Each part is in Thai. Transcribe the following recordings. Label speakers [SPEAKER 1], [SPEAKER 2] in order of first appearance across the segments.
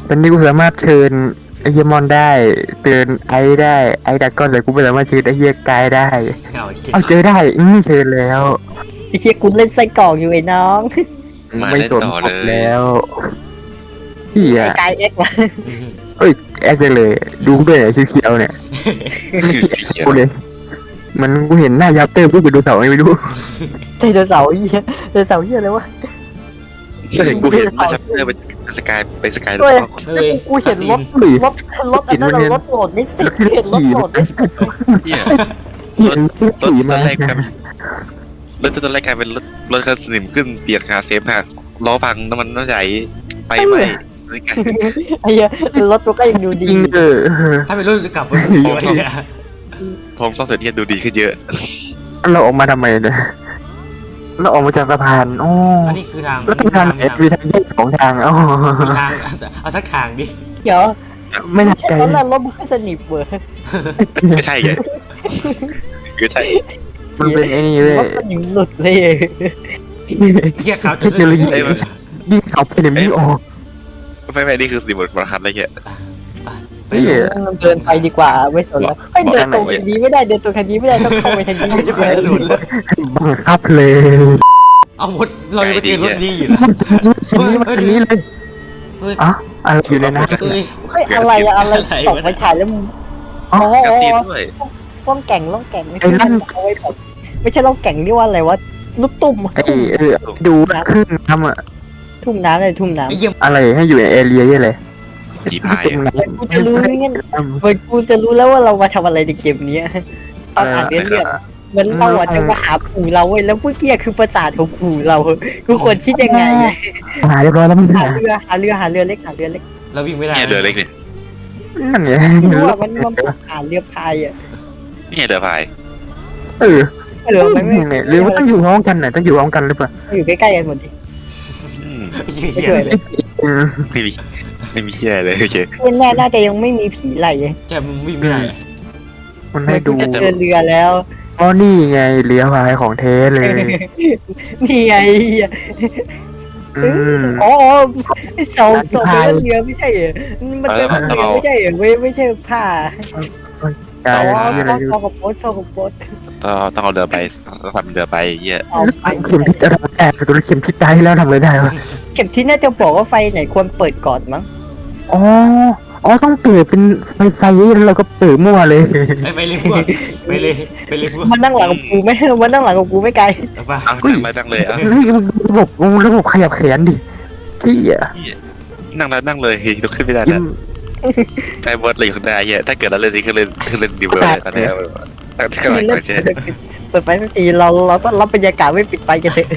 [SPEAKER 1] ตอนนี้กูสามารถเชิญไอเฮียมอนได้เตือนไอได้ไอดักก้อนแต่กูไม่สามารถเชิญไอเฮียกายได้
[SPEAKER 2] เอาเหี้ย
[SPEAKER 1] เอาเจอได้เชิญแล้ว
[SPEAKER 3] ไอ้เหี้ยกูเล่นไส้กรอกอยู่ไอ้น้อง
[SPEAKER 1] ไม่สนหมดแล้วพี่
[SPEAKER 3] ไอ้
[SPEAKER 1] อะ
[SPEAKER 3] กายเอ็กซ์วะ
[SPEAKER 1] เอ้ยแอคเลยดูด้วยชื่อเขียวเนี่ยกูเลยมันกูเห็นหน้ายับเตอร์พูดไปดูเสาไม่รู้
[SPEAKER 3] ไดโนเสาร์เหี้ยไดโนเสาร์เหี้ยอะไรวะ
[SPEAKER 4] ใช่กูเห็นว่าชัปเตอร์ไปสกาย
[SPEAKER 3] เฮ้ย
[SPEAKER 2] เฮ้ย
[SPEAKER 3] กูเห็นรถอันนั้นรถโหลดไม่สิเห็นรถโหลดไม่สิ
[SPEAKER 4] เนี่ย
[SPEAKER 1] เห็นผู้
[SPEAKER 4] รถ
[SPEAKER 1] ขี่
[SPEAKER 4] ต
[SPEAKER 1] มา
[SPEAKER 4] อนแรกกันรถตอนแรกกลายเป็นรถคันสนิมขึ้นเปียกหาเซฟหักล้อพังน้ำมันน้ำใหญ่ไปไม่ไม่ไง
[SPEAKER 3] ไอ้เหี้ยรถตัวก็ยังดู
[SPEAKER 1] จ
[SPEAKER 3] ดี
[SPEAKER 1] ริง
[SPEAKER 2] ถ้าเป็นรุ่นจะกลับมาดีวะเนี่ย
[SPEAKER 4] พร้อมซ่อมเสร็จเนี่ยดูดีขึ้นเยอะ
[SPEAKER 1] เราออกมาทำไมเนี่ยเราออกมาจากสะพานอ๋อ
[SPEAKER 2] อันนี้คือทาง
[SPEAKER 1] แล้วทางเอสมีทางแยกสองทางอ๋อ
[SPEAKER 2] ทางเอาสักทางดิ
[SPEAKER 3] เดี๋ยว
[SPEAKER 1] ไม่น่า
[SPEAKER 3] ใช่
[SPEAKER 1] ใจ
[SPEAKER 3] รถรถมันไม่สนิทเว้ย
[SPEAKER 4] ไม่ใช่ไงคือใช่
[SPEAKER 1] มันเป็นไอ้นี่เล
[SPEAKER 3] ร
[SPEAKER 1] ย
[SPEAKER 3] ถสนิมหลุดเลย
[SPEAKER 2] เหี้ยขาว
[SPEAKER 1] เทคโนโลยียิ่งขับสนิมยิ่งออก
[SPEAKER 4] ไม่นี่คือสนิมบนคันอะไรเงี้ย
[SPEAKER 2] ไป
[SPEAKER 1] นี่
[SPEAKER 3] เดินไปดีกว่าไม่สนแล้วเฮ้ยเดินตรงคันนี้ไม่ได้เดินตรงคันนี้ไม่ได้ต้องเข้าไปทางนี้
[SPEAKER 2] จะไปหลุดเลย
[SPEAKER 1] บังคับเลย
[SPEAKER 2] เอาหมดเราจะไปเจอรถดีอยู่แล้ว
[SPEAKER 1] ชิ้นนี้มันนี้เลย
[SPEAKER 2] เฮ้ย
[SPEAKER 1] อ๋ออะไรอยู่ในนั้น
[SPEAKER 2] เฮ้ย
[SPEAKER 3] เฮ้ยอะไรอะอะไรตกไปฉายแล้วมึงอ๋อก
[SPEAKER 4] ระตีด้วย
[SPEAKER 3] ล่องแก่งไม่ใช่เอาไว้แบบไม่ใช่ล่องแก่งนี่ว่าอะไรวะลูกตุ่ม
[SPEAKER 1] ไอ้ดูขึ้นทำอะ
[SPEAKER 3] ทุ่มน้ำเลยทุ่มน้ำ
[SPEAKER 2] ไอ้เหี้ย
[SPEAKER 1] อะไรให้อยู่ในแอเรียยี่เลย
[SPEAKER 4] จีพาย
[SPEAKER 1] ตรงนั้น
[SPEAKER 3] กูจะรู้งั้นกูจะรู้แล้วว่าเรามาทำอะไรในเกมนี้ตอนอ่านเรื่องมันเราอ่ะจะมาหาปู่เราเว้ยแล้วเมื่อกี้คือประสาทของปู่เรากูควรคิดยังไง
[SPEAKER 1] หายเรียบร้อยแล้วมึง
[SPEAKER 3] หาเรือเล็ก
[SPEAKER 2] เราวิ่งไม่ได้
[SPEAKER 4] เนี่ยเรือเล็กเนี่ย
[SPEAKER 1] นั่นไง
[SPEAKER 3] รู้ว่ามันหาเรือพายอ่ะ
[SPEAKER 4] นี่เรือพาย
[SPEAKER 1] เออ
[SPEAKER 3] เรือมันไม่
[SPEAKER 1] หรือว่าต้องอยู่ห้องกันน่ะต้องอยู่ห้องกันหรือเปล่า
[SPEAKER 3] อยู่ใกล้ๆกันหมดดิ ไม่ช่วยเลย
[SPEAKER 4] ไม่มีเหี้ยเลยโอเค
[SPEAKER 3] แน่น่าจะยังไม่มีผีไหล
[SPEAKER 2] แกมึงวิ่งไม่ได้
[SPEAKER 1] มันให้ดู
[SPEAKER 3] จะเจอเรือแล้ว
[SPEAKER 1] อ๋อนี่ไงเรือพายของเทเลย
[SPEAKER 3] นี่ไง
[SPEAKER 1] อืม
[SPEAKER 3] อ๋อเสาเรือไม่ใช่เหรอมันเป็นเรือไม่ใช่เหรอไม่ใช่ผ้า
[SPEAKER 1] กาย
[SPEAKER 3] อ๋อ
[SPEAKER 1] อะไรอยู่
[SPEAKER 3] ซอกโป๊ต
[SPEAKER 4] ต้องเอาเรือไปทำเรือไปเหี้ย
[SPEAKER 3] เอาไป
[SPEAKER 1] เข็มทิศอะไรแอบตัวเข็มทิศได้แล้วทำอะไรได้วะ
[SPEAKER 3] เข็มที่น่าจะบอกว่าไฟไหนควรเปิดก่อนมั้ง
[SPEAKER 1] อ๋ออ๋อต้องเปิดเป็นไฟแล้วเราก็เปิดมั่วเลย
[SPEAKER 2] ไปเลยพวกไปเลยพวก
[SPEAKER 3] มันนั่งหลังกับกูไม่มันนั่งหลังกับกูไม่ไกล
[SPEAKER 2] เอาป่ะ
[SPEAKER 4] เอานั่งเลยอ่ะ
[SPEAKER 1] ระบบขยับแขนดิที่อ่ะ
[SPEAKER 4] นั่งเลยลุกขึ้นไม่ได้แล้วไอ้บอสเลยคนได้เหี้ยถ้าเกิดเราเล่นนี้ก็เล่นดีเวอร์ตอนนี้ตั้งแต่ก่อนก่อนใช่
[SPEAKER 3] เปิดไฟสักทีเราก็รับบรรยากาศไม่ปิดไฟกันเถอะ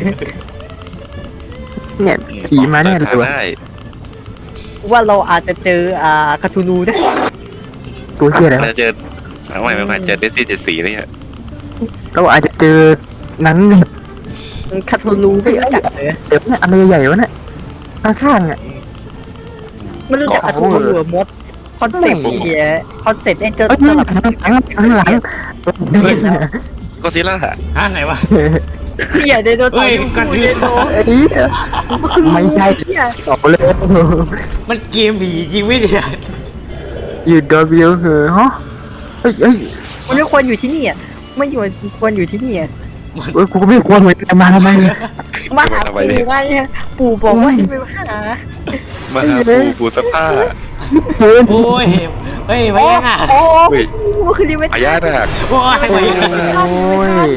[SPEAKER 1] เนี่ยผีมาแน่เลยวะ
[SPEAKER 4] ได้
[SPEAKER 3] ว่าเราอาจจะเจอคาทูนูนะ
[SPEAKER 1] ตัวเชี่ยแล้ว
[SPEAKER 4] เราเจอไม่เจอเดซี่74เนี่ย
[SPEAKER 1] เราอาจจะเจอนั้นเนี่ย
[SPEAKER 3] คาทูนูไม่รู้จักเลย
[SPEAKER 1] เดี๋ยวเนี่ยอะไรใหญ่ๆวะเนี่ยข้างๆอ่ะ
[SPEAKER 3] ไม่รู้จักคาทูนูหรือมดคอนเซ็ปต์คอนเซ็ปต์ไอ้เจ้า
[SPEAKER 1] เอ้ย
[SPEAKER 3] ส
[SPEAKER 1] ข้างห
[SPEAKER 3] ลั
[SPEAKER 1] ลั
[SPEAKER 3] บ
[SPEAKER 1] งข้างหลัง
[SPEAKER 4] ก็ซิล่า
[SPEAKER 2] ฮะไหนวะ
[SPEAKER 3] เหี้ยไดโนเสาร์ไดโน
[SPEAKER 1] เอ้ยไม่ใช่
[SPEAKER 3] เหี้ย
[SPEAKER 1] ตอบเลย
[SPEAKER 2] มันเกมผีจริงไม่เนี่ย
[SPEAKER 1] อยู่ดอบิวคือฮะเฮ้ย
[SPEAKER 3] มันไม่ควรอยู่ที่นี่อ่ะไม่ควรอยู่ที่นี่อ่ะ
[SPEAKER 1] กูก็ไม่ควรเหมือนกันมาทำไม
[SPEAKER 3] มาหาปู่ไงปู่บอกว่าให้ไปหา
[SPEAKER 4] มาปูสภาพ
[SPEAKER 1] เฮ้ย
[SPEAKER 2] โอ้ยเฮ้ยไม่ยังอ่ะ
[SPEAKER 3] โอ้คือรีเวท
[SPEAKER 4] อายาดัก
[SPEAKER 2] โอ้ยไม่ยัง
[SPEAKER 1] โอ้ย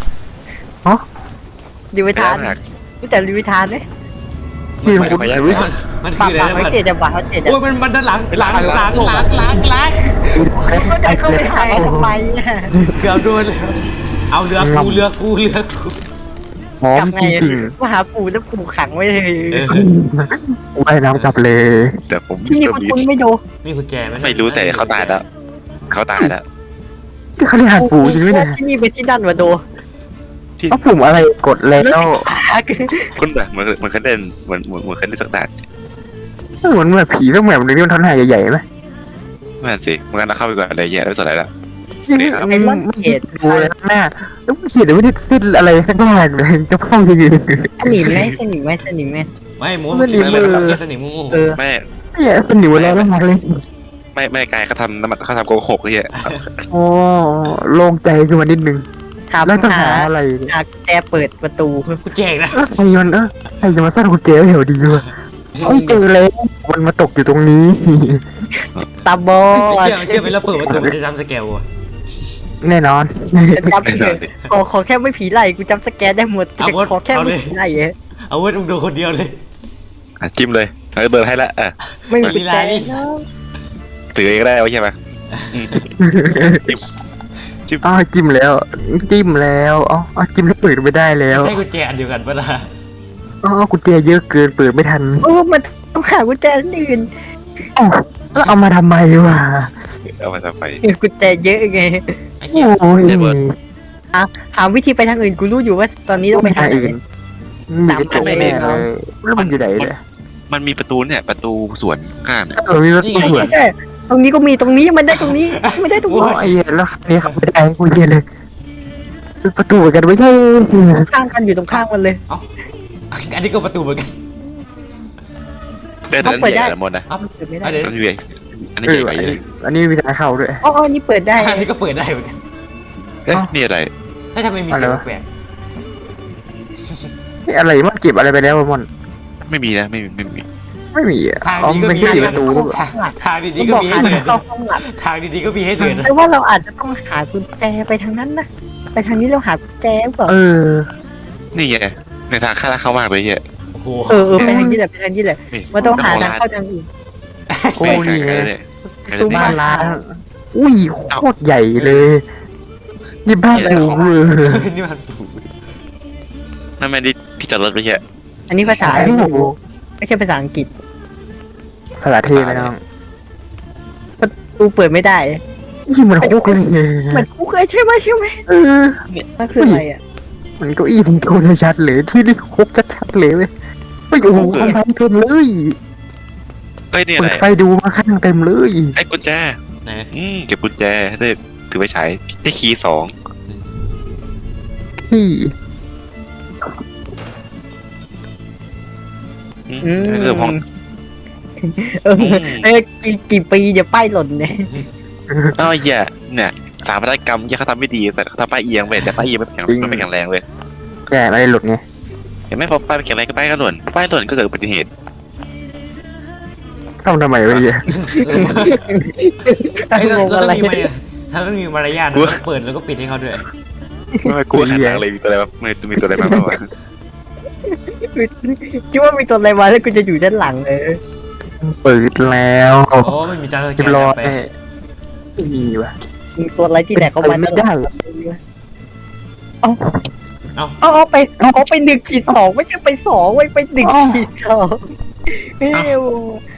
[SPEAKER 3] รีเวทานรู้จักรีเวทานไหม
[SPEAKER 1] พี่คุณ
[SPEAKER 2] มัน
[SPEAKER 3] ปา
[SPEAKER 2] คื
[SPEAKER 3] ก
[SPEAKER 2] ออะไร
[SPEAKER 3] ปาก
[SPEAKER 2] มัน
[SPEAKER 3] เขาเจ็ดจะปากเขาเจ็ด
[SPEAKER 2] โอ้ยมันด้านหลัง
[SPEAKER 3] ก็จะเข้าไปหาทำไมอ่ะ
[SPEAKER 2] เกือบโดนเลยเอาเรือกู
[SPEAKER 1] หอม
[SPEAKER 3] กลับไง
[SPEAKER 1] จริง
[SPEAKER 3] มาหาปู่แล้วปู่ขังไว้เลย
[SPEAKER 1] ๆว่ายน้ำกลับเลย
[SPEAKER 4] แต่ผม
[SPEAKER 3] ที่นี่คุณไม่ดู
[SPEAKER 2] มีกุญแจไหม
[SPEAKER 4] ไม่รู้แต่เขาตายแล้วเขาตายแล้ว
[SPEAKER 1] ที่เขาเรียกหาปูจริงไหมเนี่ย
[SPEAKER 3] ที่นี่เป็นที่นั่นวะโด
[SPEAKER 1] เอาปุ่มอะไรกดแล้ว
[SPEAKER 4] คุณแบบเหมือนเขาเล่นเหมือนเขาเล่นสักด่าน
[SPEAKER 1] เหมือนแบบผีต้องแบบนึงที่มันทอนหายใหญ่ๆไหม
[SPEAKER 4] ไม่สิเมื่อกี้เราเข้าไปก่อนอะไรเงี้ยไม่สนอะไรแล้ว
[SPEAKER 3] ไอ้ล่อนเจ็ด
[SPEAKER 1] ดูเลยหน้าแล้วเขียนไม่ได้สิ้นอะไรข้างล่างเลยจะเข้ายังไง
[SPEAKER 3] สนิมไหมสนิมไหมสนิมไหม
[SPEAKER 2] โไม่หมูมันคิดอะไรแบบแค่สนิมงู
[SPEAKER 3] เออ
[SPEAKER 4] แม่
[SPEAKER 1] เนี่ยเป็นหนิวแล้วมากเลย
[SPEAKER 4] ไม่ไกลเขาทำน้ำมันเขาทำโกหกไอ้เหี้ย
[SPEAKER 1] โอ้โล่งใจขึ้นมานิดนึง
[SPEAKER 3] ถาม
[SPEAKER 1] แล้วจะ
[SPEAKER 3] หา
[SPEAKER 1] หาอะไรเนี่ย
[SPEAKER 3] หากุญแจเปิดประตู
[SPEAKER 2] กูแจกนะ
[SPEAKER 1] ใครมันใครจะมาสร้างกุญแจไว้แถวดีวะไม่เจอเลยมันมาตกอยู่ตรงนี้
[SPEAKER 3] ตาบอด
[SPEAKER 2] เชื่อไปแล้วเปิดประตูมันจะทำสเกลอ่ะ
[SPEAKER 1] แน่นอน
[SPEAKER 3] ฉันจำไม่ได้ขอแค่ไม่ผีไล่กูจำสแกนได้หมดแต่ขอแค่ไม่ผีไล่เอง
[SPEAKER 2] เอาไว้มึงดูคนเดียวเลย
[SPEAKER 4] จิ้มเลยเขาเดินให้ละ
[SPEAKER 3] ไม่มีกุญแจ
[SPEAKER 2] ลีลา
[SPEAKER 3] เนอะ
[SPEAKER 4] ถือเองได้ไว้ใช่ไหม
[SPEAKER 1] อ้าวจิ้มแล้วจิ้มแล้วอ๋อจิ้มแล้วเปิดไม่ได้แล้ว
[SPEAKER 2] ใช่กุญแจอันเดียวกันปะล่ะ
[SPEAKER 1] อ๋อกุญแจเยอะเกินเปิดไม่ทัน
[SPEAKER 3] โอ้มันต้องหากุญแจอันอื่น
[SPEAKER 1] อ๋อแล้วเอามาทำไมวะ
[SPEAKER 4] เอามาทำไม
[SPEAKER 3] กุญแจเยอะไง
[SPEAKER 2] ไอ้เหี้ย
[SPEAKER 1] โอ้ย
[SPEAKER 3] หาวิธีไปทางอื่นกูรู้อยู่ว่าตอนนี้ต้องไปทางไหน
[SPEAKER 1] อื่นมีประตูแน่เลยแล้วมันอยู่ไหนเนี่ย
[SPEAKER 4] มันมีประตูเนี่ยประตูสวนข้างเนี่ย
[SPEAKER 1] มีประตูสวน
[SPEAKER 3] ใช่ตรงนี้ก็มีตรงนี้มันได้ตรงนี้ไม่ได้ตรง
[SPEAKER 1] โอ้
[SPEAKER 3] นี้
[SPEAKER 1] ยแล้วนี่ขับไม่ได้กูเรียนเลยประตูเหมือนกันไม่ใช่
[SPEAKER 3] ข้างกันอยู่ตรงข้างมันเลย
[SPEAKER 2] อันนี้ก็ประตูเหมือนกัน
[SPEAKER 4] แต่นั้นใหญ่ละมดนะ
[SPEAKER 3] เปิดไม่ได้
[SPEAKER 2] อันนี้
[SPEAKER 4] มันใหญ่อันนี้
[SPEAKER 1] เอ
[SPEAKER 4] ให
[SPEAKER 1] อ
[SPEAKER 4] ญ่ไปเลย
[SPEAKER 1] อันนี้มีทางเข้าด้วย
[SPEAKER 3] อ๋อนี่เปิดได้
[SPEAKER 2] อันนี้ก็เปิดได้เหมือนกัน
[SPEAKER 4] เอ๊ะนี่อะไร
[SPEAKER 2] ถ้าทำไมมีเสียงแปลก
[SPEAKER 1] นี่อะไรมันเก็บอะไรไปแล้วมอน
[SPEAKER 4] ไม่มีนะไม่มี
[SPEAKER 1] ไม่มีอ่ะ
[SPEAKER 2] ทาง
[SPEAKER 1] อ๋อ
[SPEAKER 2] นี้
[SPEAKER 1] มัน
[SPEAKER 2] ก็
[SPEAKER 1] เป็น
[SPEAKER 2] มี
[SPEAKER 1] แค่ประตู
[SPEAKER 2] ทาง
[SPEAKER 3] กู
[SPEAKER 2] ดีๆก็
[SPEAKER 3] บอก
[SPEAKER 2] มี
[SPEAKER 3] หา
[SPEAKER 2] ให้เดิน
[SPEAKER 3] เข้าห้องหลับ
[SPEAKER 2] ทางดีๆก็มีให้เดิน
[SPEAKER 3] แต่ว่าเราอาจจะต้องหากุญแจไปทางนั้นนะไปทางนี้เราหากุญแจเปล่า
[SPEAKER 1] เออ
[SPEAKER 4] นี่ไงในทางข้าเข้ามากเลยเหี้ย
[SPEAKER 2] โอ้โห
[SPEAKER 3] ไปทางนี้แหละไปทางนี้แหละมันต้องหาทางเข้าทางอื่น
[SPEAKER 1] โอ้นี่ไง
[SPEAKER 4] เนี่ย
[SPEAKER 3] ซูม
[SPEAKER 1] บ้านล้างอุ้ยโคตรใหญ่เลย นี่บ้านกูเออ
[SPEAKER 2] นี่มันถูก
[SPEAKER 4] นั่นไม่ได้ที่จอดรถไปเหี้ย
[SPEAKER 3] อันนี้ภาษา
[SPEAKER 1] โอ้โห
[SPEAKER 3] ไม่ใช่ภาษาอังกฤษ
[SPEAKER 1] ภาษาเทพนะน้อง
[SPEAKER 3] กูเปิดไม่ได้
[SPEAKER 1] นี่มันคุกเลย
[SPEAKER 3] มันกูเคยใช่ไหม
[SPEAKER 1] เออ
[SPEAKER 3] นั่นคืออะไรอ่ะ
[SPEAKER 1] มันเก้าอี้ที่โคตรชัดเลยที่นี่คุกชัดๆเลยเว้ยโอ้โหทำไมเต็มเลย
[SPEAKER 4] เอ้ยนี่อะ
[SPEAKER 1] เปิ
[SPEAKER 4] ไร
[SPEAKER 1] ดไฟดูมาข้างเต็มเลย
[SPEAKER 4] ไอ้กุญแจ
[SPEAKER 2] ไหน
[SPEAKER 4] เก็บกุญแจได้ถือไปใช้ได้คีย์
[SPEAKER 1] ที่
[SPEAKER 4] เรื่องห้อง
[SPEAKER 3] กี่ปีเดี๋ยวป้ายหล่นเนี่ย
[SPEAKER 4] อ้าวเหี้ยเนี่ยสถาปัตยกรรมเขาทำไม่ดีแต่เขาทำป้ายเอียงไปแต่ป้ายเอียงไม่แข็งแรงเลย
[SPEAKER 1] แกไม่ได้หลุดไง
[SPEAKER 4] เห็นไหมพอป้ายแข็งแรงก็ป้ายก็หล่นป้ายหล่นก็เกิดอุบัติเหตุ
[SPEAKER 1] เข้าทำไมวะเนี่ย
[SPEAKER 2] ไอ้เรา
[SPEAKER 3] งง
[SPEAKER 2] ต้
[SPEAKER 3] อะ
[SPEAKER 2] อง
[SPEAKER 3] ไร
[SPEAKER 2] มีมารยาทถ้าต้องมีมารยาทต้องเปิดแล้วก็ปิดให้เขาด้วย
[SPEAKER 4] ไม่กลัวขนาดเลยมีตัวอะไรบ้างมีตัวอะไรบ้างวะ
[SPEAKER 3] คิดว่ามีตัวอะไรมาแล้วกูจะอยู่ด้านหลังเลย
[SPEAKER 1] เปิดแล้ว
[SPEAKER 2] โอ้ไม่มีจานสแก
[SPEAKER 1] เรียบ
[SPEAKER 2] น
[SPEAKER 1] ร้อย
[SPEAKER 2] ไป
[SPEAKER 1] ไม่มีว่ะ
[SPEAKER 3] มีตัวอะไรที่แดกเข้ามา
[SPEAKER 1] ไม่ได้
[SPEAKER 3] เอาไป1 ขีด 2ไม่ใช่ไป2ไว้ไป1 ขีด 2เอ้ย